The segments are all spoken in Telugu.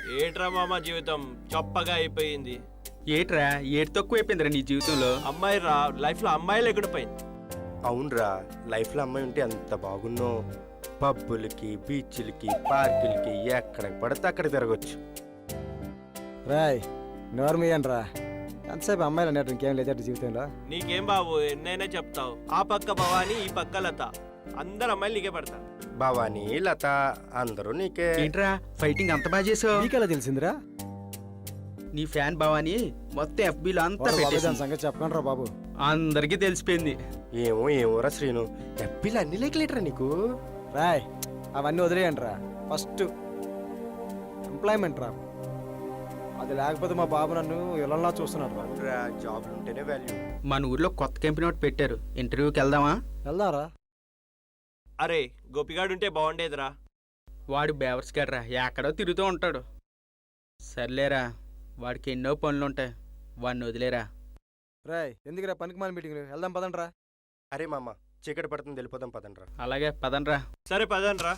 ఏట్రా మామ జీవితం చప్పగా అయిపోయింది. ఏట్రా ఏటి తక్కువ అయిపోయిందిరా నీ జీవితంలో? అమ్మాయి రా, లైఫ్ లో అమ్మాయి లేకుండా పోయింది. అవునరా, లైఫ్ లో అమ్మాయి ఉంటే అంత బాగున్నో. పబ్బులకి, బీచ్లకి, పార్కులకి ఎక్కడికి పడితే అక్కడ తిరగచ్చు. రాయ్ నోర్మియన్ రా, ఎంతసేపు అమ్మాయిలు అన్నట్టు ఇంకేం లేదట జీవితంలో. నీకేం బాబు ఎన్నైనా చెప్తావు. ఆ పక్క భవాని, ఈ పక్క లత, అందరు అమ్మాయిలు నీకే పడతారు. భవానీ, లత అందరూ నీకే. ఏంట్రా ఫైటింగ్ అంత బాగా చేసావు? నీకెలా తెలిసిందిరా? నీ ఫ్యాన్ భావాని మొత్తం FBలో అంతా పెట్టేసాను. సంగతి చెప్పకండి రా బాబు, అందరికీ తెలిసిపోయింది. ఏమోరా శ్రీను, ఎప్పిలు అన్ని లేకలేటరా నీకు. రాయ్ అవన్నీ వదిలేయండి రా. ఫస్ట్ ఎంప్లాయ్మెంట్ రా, అది లేకపోతే మా బాబు నన్ను ఇలా చూస్తున్నాడు రా. జాబ్లు ఉంటేనే వాల్యూ. మన ఊర్లో కొత్త కంపెనీ ఒకటి పెట్టారు, ఇంటర్వ్యూకి వెళ్దామా? వెళ్దారా? అరే గోపిగాడు ఉంటే బాగుండేదిరా. వాడు బేవర్స్ గడ్రా, ఎక్కడో తిరుగుతూ ఉంటాడు. సర్లేరా, వాడికి ఎన్నో పనులుంటాయి, వాడిని వదిలేరా. రాయ్ ఎందుకురా పనికి మాల మీటింగ్, వెళ్దాం పదండ్రా. అరే మామ, చీకటి పడుతుంది, వెళ్ళిపోదాం పదండ్రా. అలాగే పదండ్రా. సరే పదనరా.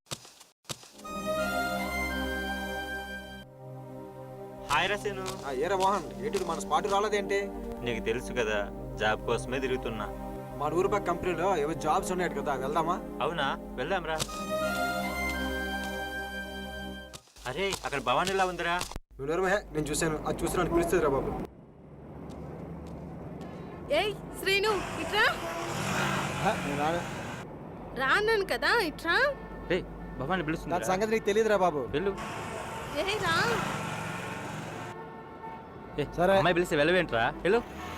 హాయ్ రసేను. ఏరా మోహన్, ఏంటి మన స్పాట్ రాలేదేంటి? నీకు తెలుసు కదా, జాబ్ కోసమే తిరుగుతున్నా. మన ఊరు పక్క కంపెనీలో ఏవో జాబ్స్ ఉన్నాయి కదా, వెళ్దామా? అవునా, వెళ్దాంరా. అరే అక్కడ భవానీ ఎలా ఉందిరా? నేను చూశాను, అది చూసినాను పిలుస్తుంది రా బాబు. ఏయ్ శ్రీను ఇట్రా. రాన్నాను కదా ఇట్రా. రే భవానీ పిలుస్తుంది. దాని సంగతి నీకు తెలియదురా బాబు. వెళ్ళు. ఏయ్ రా. సరే అమ్మాయి పిలిస్తే వెళ్ళవేంట్రా, వెళ్ళు.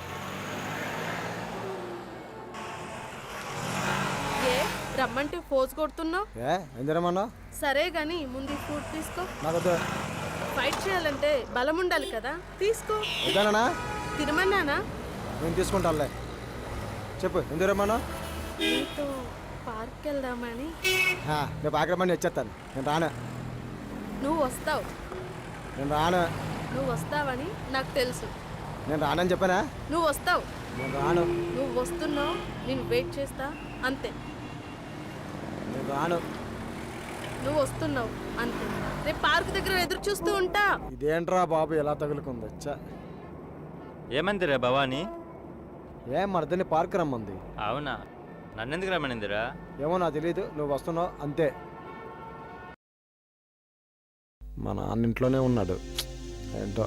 ఏ రమ్మంటే ఫోజ్ కొడుతున్నావు? ఎందురమ్మన్నా? సరే గాని ముందు ఫుడ్ తీసుకో. నాకు ఫైట్ చేయాలంటే బలం ఉండాలి కదా, తీసుకో. ఇదేనా? తినమన్నానా? నేను తీసుకుంటానులే. చెప్పు ఎందురమ్మన్నా? నీతో పార్క్ వెళ్దామని. రేపు ఆగ్రమని వచ్చేస్తాను. నేను రాను. నువ్వు వస్తావు. నేను రాను. నువ్వు వస్తావని నాకు తెలుసు. నేను రానని చెప్పానా? నువ్వు వస్తావు. నేను రాను. నువ్వు వస్తున్నావు, నేను వెయిట్ చేస్తా అంతే. నేను రాను. నువ్వు వస్తున్నావు అంతే. రేపు పార్క్ దగ్గర ఎదురు చూస్తూ ఉంటా. ఇదేంట్రా బాబు ఎలా తగులుకుంది? ఏమందిరా భవానీ? ఏం మరదని పార్క్ రమ్మంది. అవునా, నన్నెందుకు రమ్మనిందిరా? ఏమో నాకు తెలియదు, నువ్వు వస్తున్నావు అంతే. మా నాన్న ఇంట్లోనే ఉన్నాడు ఏంటో.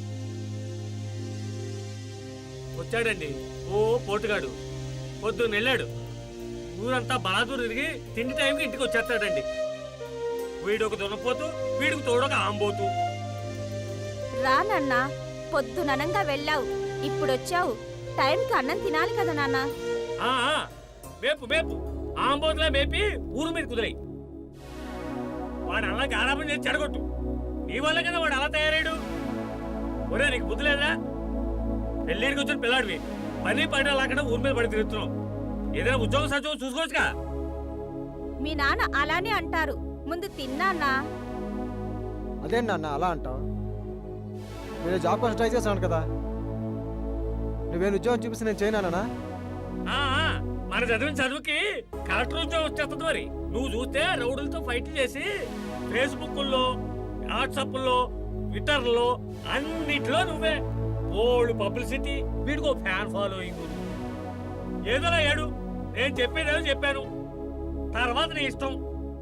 వచ్చాడండి ఓ పోటుగాడు. పొద్దున్న వెళ్ళాడు, ఊరంతా బలాదూరు తిరిగి తిండి టైంకి ఇంటికి వచ్చేస్తాడండి. వీడొక దున్నపోతూ, వీడికి తోడొక ఆంబోతు. రానన్నా, పొద్దుననంగా వెళ్ళావు, ఇప్పుడొచ్చావు. టైంకి అన్నం తినాలి కదా నాన్న. మేపు మేపు ఆంబోతులా మేపి ఊరు మీద కుదిరాయి. వాడు అలా గారాబం చేసి చెడగొట్టు. నీ వల్ల కదా వాడు అలా తయారాడు. ఒరే నీకు బుద్ధి లేదా? పెళ్ళిడికి వచ్చిన పిల్లాడివి, పని పడిన లాకుండా ఊరి మీద పడి తిరుగుతున్నావు. ఏదైనా ఉద్యోగం సత్యం చూసుకోవచ్చుగా. మీ నాన్న అలానే అంటారు, ముందు తిన్నానా. అదేంటి నాన్న అలా అంటావు? నేను జాబ్ కోసం ట్రై చేశాను కదా. నువ్వేను ఉద్యోగం చూపిస్తే నేను చేయనానా? మన చదివిన చదువుకి కలెక్టర్ ఉద్యోగం వచ్చేస్తుంది. మరి నువ్వు చూస్తే రౌడులతో ఫైట్లు చేసి ఫేస్బుక్లో, వాట్సాప్లో, ట్విట్టర్లో అన్నిట్లో నువ్వే ఓల్డ్ పబ్లిసిటీ. వీడికో ఫ్యాన్ ఫాలోయింగ్. ఏదోలా ఏడు, నేను చెప్పేదేదో చెప్పాను, తర్వాత నీ ఇష్టం.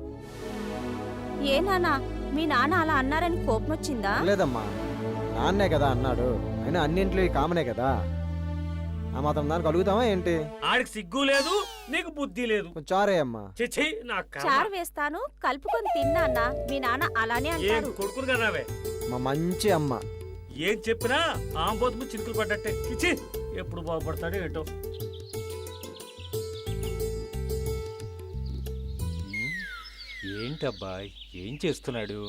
ఏ నాన్న, మీ నాన్న అలా అన్నారని కోపం వచ్చిందా? లేదమ్మా, నాన్నే కదా అన్నాడు. అయినా అన్నింట్లో కామనే కదా, ఆ మాత్రం దానికి అడుగుతావా ఏంటి? ఆడికి సిగ్గు లేదు, నీకు బుద్ధి లేదు. చారే అమ్మా. చిచ్చి నాకు చారు వేస్తాను, కలుపుకొని తిన్నానా. మీ నాన్న అలానే ఏం అంటారు. కొడుకును కదావే. మా మంచి అమ్మ ఏం చెప్పినా ఆంబోతుము చిరుకులు పడ్డట్టే. చిచ్చి ఎప్పుడు బాగుపడతాడో ఏటో. ఏంటబ్బా ఏం చేస్తున్నాడు?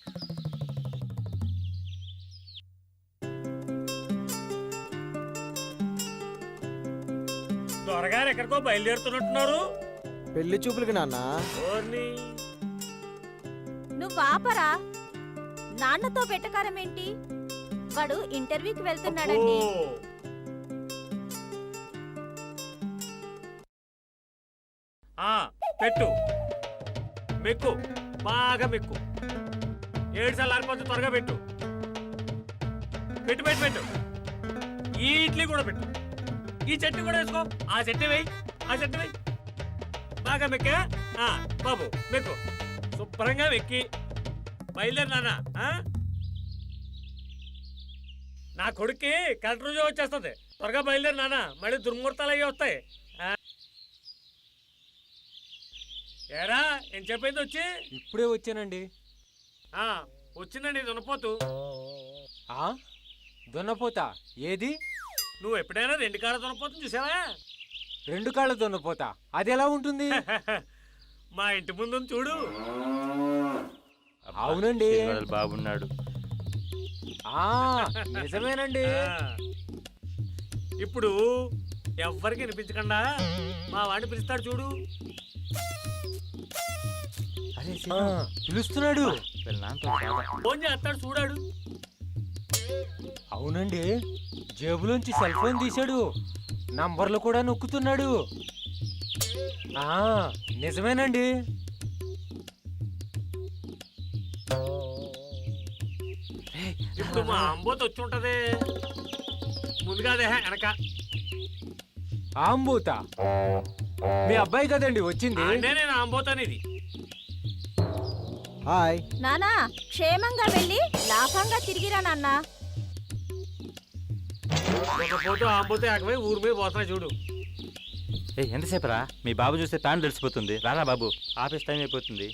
త్వరగారు ఎక్కడికో బయలుదేరుతున్నట్టున్నారు. పెళ్లి చూపులకి నాన్న. నువ్వు ఆపరా, నాన్నతో వెటకారం ఏంటి? వాడు ఇంటర్వ్యూకి వెళ్తున్నాడండి. పెట్టు, మెక్కు, బాగా మెక్కు. 7 సార్లు ఆరిపోతే త్వరగా పెట్టు పెట్టు పెట్టు పెట్టు ఈ ఇడ్లీ కూడా పెట్టు ఈ చట్నీ కూడా వేసుకో ఆ చట్నీ వేయి ఆ చట్నీ వేయి బాగా మెక్కా బాబు మెక్కు శుభ్రంగా వెక్కి బయలుదేరు నాన్న నా కొడుక్కి కలెక్టర్ ఉద్యోగం వచ్చేస్తుంది త్వరగా బయలుదేరు నాన్న మళ్ళీ దుర్ముహూర్తాలు అయ్యి వస్తాయి ఏరా ఏం చెప్పింది వచ్చి ఇప్పుడే వచ్చానండి. వచ్చిందండి దున్నపోతు దున్నపోతా ఏది? నువ్వు ఎప్పుడైనా 2 కాళ్ళ దున్నపోతు చూసావా? 2 కాళ్ళ దున్నపోతా అది ఎలా ఉంటుంది? మా ఇంటి ముందు చూడు. అవునండి బాగున్నాడు. నిజమేనండి. ఇప్పుడు ఎవ్వరికి వినిపించకుండా మా వాడిని పిలుస్తాడు చూడు. పిలుస్తున్నాడు. ఫోన్ చేస్తాడు చూడాడు. అవునండి జేబులోంచి సెల్ ఫోన్ తీశాడు, నంబర్లు కూడా నొక్కుతున్నాడు. నిజమేనండి. ఇప్పుడు మా అంబోత వచ్చి ఉంటది ముందుగా అదే వెనక. ఆంబోత మీ అబ్బాయి కదండి వచ్చింది. నేను ఆంబోతానిది. హాయ్ నానా, క్షేమంగా వెళ్ళి లాభంగా తిరిగిరా నాన్న. పోతూ ఆంబోతే ఆకమై ఊరి మీద పోతున్నా చూడు. ఎంతసేపు రా? మీ బాబు చూస్తే ప్యాన్ తెలిసిపోతుంది. రారా బాబు, ఆఫీస్ టైం అయిపోతుంది.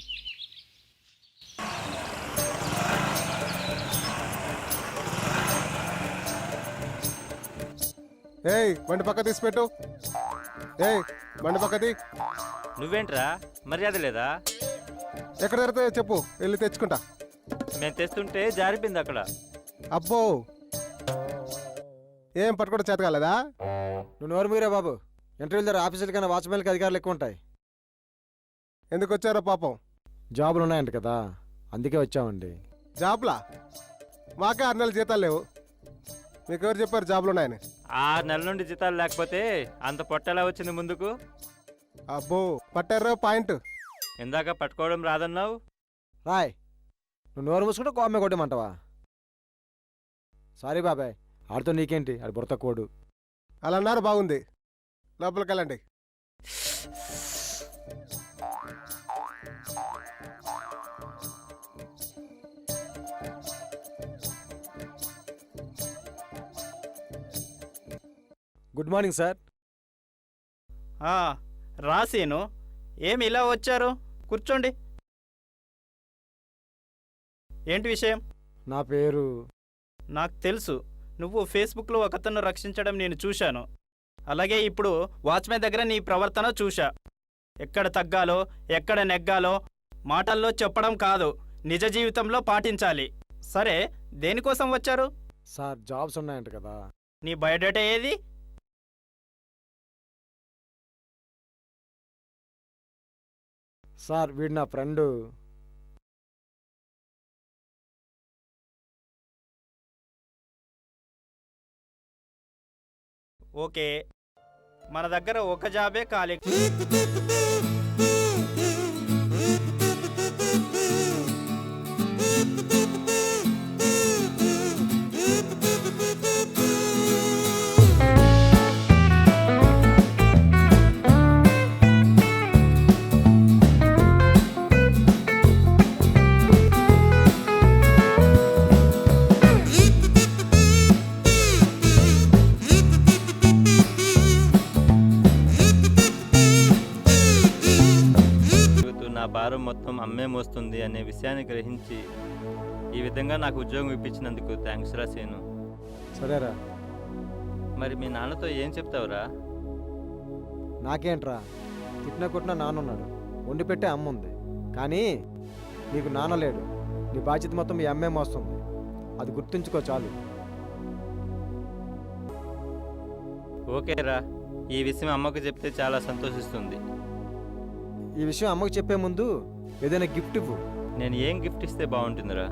ఏయ్ బండి పక్క తీసి పెట్టు. ఏయ్ బండి పక్కది. నువ్వేంట్రా మర్యాద లేదా? ఎక్కడ జరుగుతాయో చెప్పు, వెళ్ళి తెచ్చుకుంటా. మేము తెస్తుంటే జారిపోయింది అక్కడ. అబ్బో ఏం పట్టుకోవడం చేత కాలేదా? నువ్వు నోరు మీరే బాబు. ఇంటర్వ్యూల దగ్గర ఆఫీసుల కన్నా వాచ్మెన్కి అధికారులు ఎక్కువ ఉంటాయి. ఎందుకు వచ్చారో పాపం? జాబులు ఉన్నాయంట కదా, అందుకే వచ్చామండి. జాబ్లా? మాకే 6 నెలల జీతాలు లేవు. మీకు ఎవరు చెప్పారు జాబులు ఉన్నాయని? 6 నెలల నుండి జీతాలు లేకపోతే అంత పొట్టెలా వచ్చింది ముందుకు? అబ్బో పట్టారో పాయింట్. ఇందాక పట్టుకోవడం రాదన్నావు. రాయ్, నువ్వు నోరు మూసుకుంటే కోమ్మే కొట్టమంటావా? సారీ బాబాయ్, ఆడితో నీకేంటి, ఆడి బుర్ర కోడు. అలా అన్నారు, బాగుంది. లోపలికి వెళ్ళండి. Good morning sir. రాసేను. ఏమి ఇలా వచ్చారు? కూర్చోండి. ఏంటి విషయం? నా పేరు. నాకు తెలుసు, నువ్వు ఫేస్బుక్లో ఒకతను రక్షించడం నేను చూశాను. అలాగే ఇప్పుడు వాచ్మెన్ దగ్గర నీ ప్రవర్తన చూశా. ఎక్కడ తగ్గాలో ఎక్కడ నెగ్గాలో మాటల్లో చెప్పడం కాదు, నిజ జీవితంలో పాటించాలి. సరే, దేనికోసం వచ్చారు? సార్ జాబ్స్ ఉన్నాయంట కదా. నీ బయోడేటా ఏది? సార్ వీడు నా ఫ్రెండు. ఓకే, మన దగ్గర ఒక జాబే ఖాళీ. నా భారం మొత్తం అమ్మే మోస్తుంది అనే విషయాన్ని గ్రహించి ఈ విధంగా నాకు ఉద్యోగం ఇప్పించినందుకు థ్యాంక్స్ రా సేను. సరేరా. మరి మీ నాన్నతో ఏం చెప్తావురా? నాకేంట్రా, తిట్టిన కొట్టిన నాన్నున్నాడు, వండి పెట్టే అమ్మ ఉంది. కానీ నీకు నాన్న లేడు. నీ బాధ్యత మొత్తం మీ అమ్మే మోస్తుంది. అది గుర్తుంచుకో చాలు. ఓకేరా, ఈ విషయం అమ్మకు చెప్తే చాలా సంతోషిస్తుంది. ఈ విషయం అమ్మకు చెప్పే ముందు ఏదైనా గిఫ్ట్ ఇవ్వు. నేను ఏం గిఫ్ట్ ఇస్తే బాగుంటుందిరా?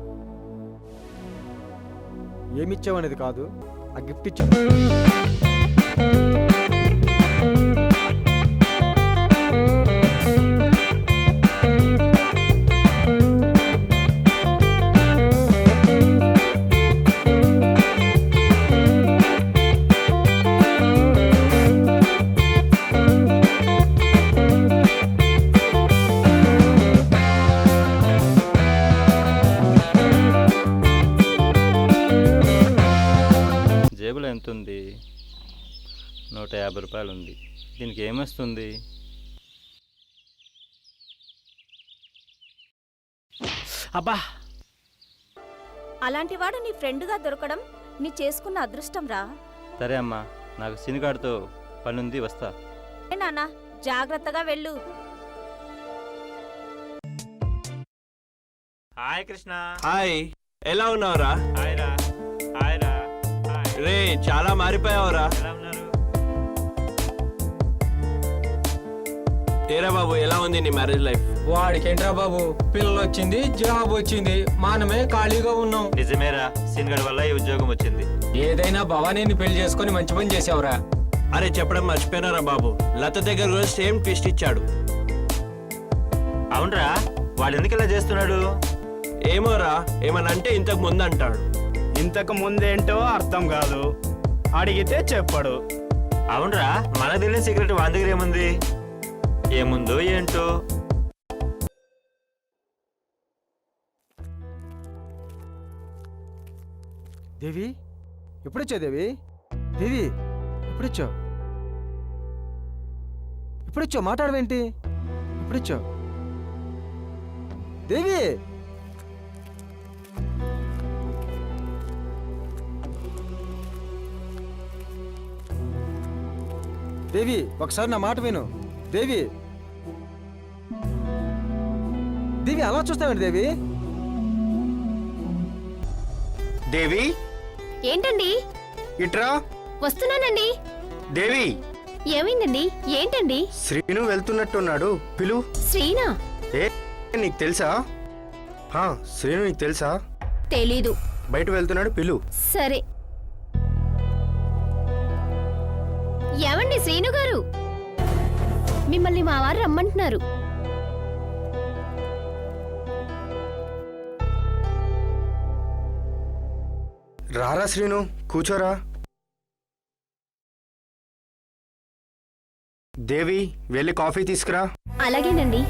ఏమిచ్చావనేది కాదు, ఆ గిఫ్ట్ ఇచ్చావు. రూపాయలు ఉంది. దీనికి ఏమొస్తుంది? అబ్బా, అలాంటి వాడు నీ ఫ్రెండ్గా దొరకడం నీ చేసుకున్న అదృష్టం రా. సరే అమ్మా, నాకు సినిగాడితో పనుంది, వస్తా. ఏ నాన్న, జాగ్రత్తగా వెళ్ళు. హాయ్ కృష్ణ. హాయ్, ఎలా ఉన్నావురా? హాయ్ రా. హాయ్ రా. హాయ్. రే చాలా మారిపోయావురా. ఎలా ఉన్నారు? ఏరా బాబు, ఎలా ఉంది నీ మ్యారేజ్ లైఫ్? వాడికేంట్రా బాబు, పిల్లలు వచ్చింది, జాబ్ వచ్చింది, మనమే ఖాళీగా ఉన్నాం. నిజమేరా, సినిగాడి వల్ల ఈ ఉద్యోగం వచ్చింది. ఏదైనా భవానీని పెళ్లి చేసుకొని మంచి పని చేసావురా. అరే చెప్పడం మర్చిపోయినారా బాబు, లత దగ్గర కూడా సేమ్ ట్విస్ట్ ఇచ్చాడు. అవునరా, వాడు ఎందుకు ఇలా చేస్తున్నాడు? ఏమోరా, ఏమన్నా అంటే ఇంతకు ముందు అంటాడు. ఇంతకు ముందేంటో అర్థం కాదు, అడిగితే చెప్పడు. అవునరా, మనకు తెలియని సీక్రెట్ వాని దగ్గర ఏముంది? ఏముందో ఏంటో. దేవి ఎప్పుడొచ్చావు దేవి? దేవి ఎప్పుడొచ్చావు? ఎప్పుడొచ్చావు? మాట్లాడవేంటి? ఎప్పుడొచ్చావు దేవి? దేవి ఒకసారి నా మాట విను. దేవి, దేవి అలా చూస్తావేంటి దేవి? దేవి ఏంటండి? ఇట్రా. వస్తున్నానండి. దేవి, ఏమైందండి? ఏంటండి? శ్రీను వెళ్తున్నట్టున్నాడు, పిలు. శ్రీనా? ఏ నీకు తెలుసా? శ్రీను నీకు తెలుసా? తెలీదు. బయట వెళ్తున్నాడు, పిలు. సరే. ఏమండి శ్రీను గారు, మిమ్మల్ని మా వారు రమ్మంటున్నారు. రారా శ్రీను, కూర్చోరా. దేవి, వెళ్ళి కాఫీ తీసుకురా. అలాగేనండి.